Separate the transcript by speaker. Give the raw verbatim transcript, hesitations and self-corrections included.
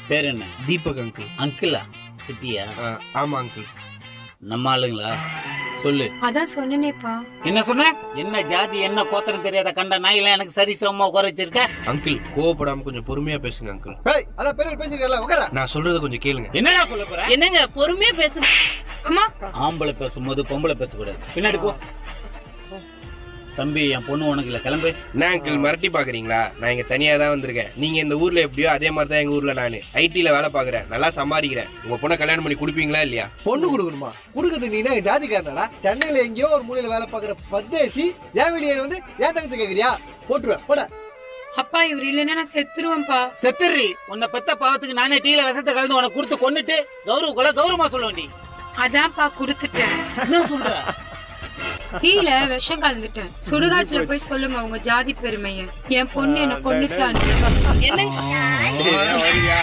Speaker 1: பேர் என்ன?
Speaker 2: தீபக் அங்கிள்.
Speaker 1: அங்கிளா? சிட்டியா?
Speaker 2: ஆமா அங்கிள்.
Speaker 1: நம்ம ஆளுங்களா? சொல்லு.
Speaker 3: அதான் சொன்னேப்பா.
Speaker 1: என்ன சொன்ன? என்ன ஜாதி என்ன கோத்திரம் தெரியாத கண்ட நாயெல்லாம் எனக்கு சரி சமமா குறைச்சிருக்க.
Speaker 2: அங்கிள் கோவப்படாம கொஞ்சம் பொறுமையா பேசுங்க அங்கிள்.
Speaker 4: ஏய் அத பேர் பேசிக்கல உட்கார.
Speaker 2: நான் சொல்றத கொஞ்சம் கேளுங்க.
Speaker 1: என்னடா சொல்ல போற?
Speaker 5: என்னங்க பொறுமையா பேசுங்க.
Speaker 3: அம்மா
Speaker 1: ஆம்பளை பேசும்போது பொம்பளை பேசக்கூடாது. பின்னாடி போ. தம்பி என் பொண்ணு உனக்கு இல்ல, கிளம்பு.
Speaker 2: என்ன அங்கிள் மிரட்டி பாக்குறீங்களா? நான் இங்க தனியா தான் வந்திருக்கேன். நீங்க இந்த ஊர்ல எப்படியோ அதே மாதிரி தான் எங்க ஊர்ல நானு ஐடில வேலை பாக்குறேன், நல்லா சம்பாதிக்கிறேன். உங்க பொண்ணை கல்யாணம் பண்ணி குடுப்பீங்களா இல்லையா?
Speaker 4: பொண்ணு கொடுக்கணுமா? கொடுக்கறதுக்கு நீ என்ன ஜாதிக்காரனடா? சென்னையில எங்கேயோ ஒரு மூலையில வேலை பாக்குற பத்தேசி ஏன் வெளியே வந்து ஏன் தங்கச்சி கேக்குறியா? போட்டுருவேன் போட.
Speaker 3: அப்பா இவர் இல்லைன்னா நான் செத்துருவேன்ப்பா.
Speaker 1: செத்துறி. உன்னை பெத்த பாவத்துக்கு நானே டீல விஷத்தை கலந்து உனக்கு கொடுத்து கொன்னுட்டு கௌரவ கொலை கௌரவமா சொல்ல வேண்டி.
Speaker 3: அதான்ப்பா குடுத்துட்டேன்.
Speaker 1: என்ன சொல்ற?
Speaker 3: டீல விஷம் கலந்துட்டேன். சுடுகாட்டுல போய் சொல்லுங்க உங்க ஜாதி பெருமைய. என் பொண்ணு என்ன கொன்னுட்டான்னு.
Speaker 5: என்ன
Speaker 2: சரியா?